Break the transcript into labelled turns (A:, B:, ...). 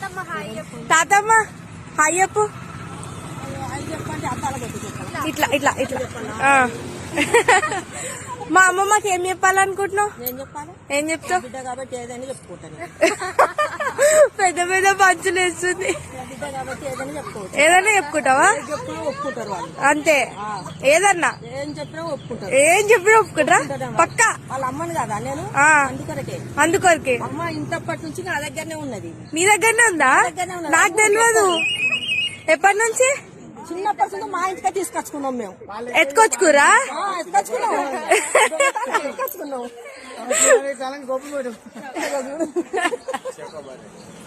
A: తాతమ్మ hi చెప్పు. ఇట్లా ఇట్లా ఇట్లా మా అమ్మమ్మకి ఏం చెప్పాలనుకుంటున్నావు? ఏం చెప్తావు? పెద్ద పెద్ద పంచులు వేస్తుంది. ఏదన్నా చెప్పుకుంటావా? అంతే. ఏదన్నా ఏం చెప్పినా ఒప్పుకుంటారా? పక్కా
B: వాళ్ళ అమ్మని కదా నేను
A: అందుకొరకే.
B: అమ్మ ఇంతప్పటి నుంచి నా దగ్గరనే ఉన్నది.
A: మీ దగ్గరనే ఉందా? నాకు తెలియదు. ఎప్పటి నుంచి?
B: చిన్నప్పటి నుంచి మా ఇంటికే తీసుకొచ్చుకున్నాం మేము.
A: ఎత్తుకొచ్చుకురా?
B: ఎత్తుకొచ్చుకున్నాం.